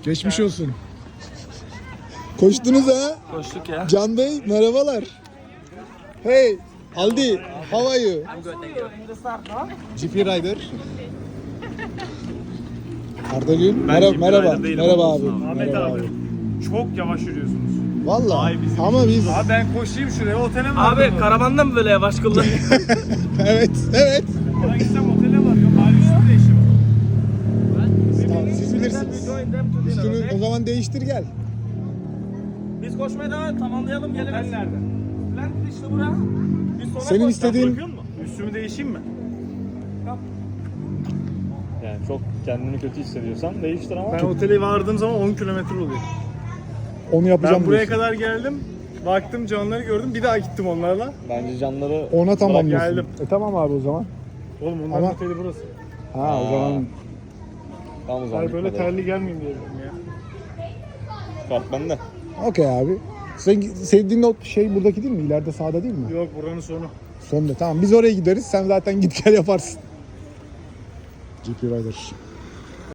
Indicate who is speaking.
Speaker 1: Geçmiş olsun. Koştunuz ha?
Speaker 2: Koştuk ya.
Speaker 1: Can Bey merhabalar. Hey Aldi, how are you? GP Rider. Arda'cığım merhaba. Merhaba abi.
Speaker 3: Ahmet
Speaker 1: Merhaba
Speaker 3: abi. Çok yavaş yürüyorsunuz.
Speaker 1: Vallahi ama biz
Speaker 3: Abi ben koşayım şuraya otele mi?
Speaker 2: Abi karavanda mı böyle yavaş kıldın?
Speaker 1: evet.
Speaker 3: Bana gitsem otele var. Yok hali üstü değişim.
Speaker 1: Tamam, siz bilirsiniz. Üstünü o zaman değiştir gel.
Speaker 2: Biz koşmaya devam tamamlayalım gelelim.
Speaker 3: Otel nerede?
Speaker 2: Lan işte bura. Biz sonra
Speaker 1: Senin istediğin
Speaker 3: Bırakıyor musun? Üstümü değişeyim mi?
Speaker 4: Yani çok kendini kötü hissediyorsan değiştir ama.
Speaker 3: Ben otele vardığım zaman 10 kilometre oluyor.
Speaker 1: onu yapacağım.
Speaker 3: Ben buraya
Speaker 1: diyorsun.
Speaker 3: kadar geldim. Baktım canları gördüm. Bir daha gittim onlarla.
Speaker 4: Bence canları
Speaker 1: Ona tamamlıyorsun.
Speaker 3: geldim.
Speaker 1: Tamam abi o zaman.
Speaker 3: Oğlum onların
Speaker 1: Ama-
Speaker 3: oteli burası.
Speaker 1: Ha o zaman
Speaker 4: tam o zaman
Speaker 3: Hayır böyle
Speaker 4: gitmedi.
Speaker 3: terli gelmeyeyim diye dedim ya.
Speaker 4: Kart bende.
Speaker 1: okey abi. Sen sevdiğin o şey buradaki değil mi? İleride sağda değil mi?
Speaker 3: Yok buranın sonu.
Speaker 1: Sonunda tamam biz oraya gideriz. Sen zaten git gel yaparsın. GP Rider.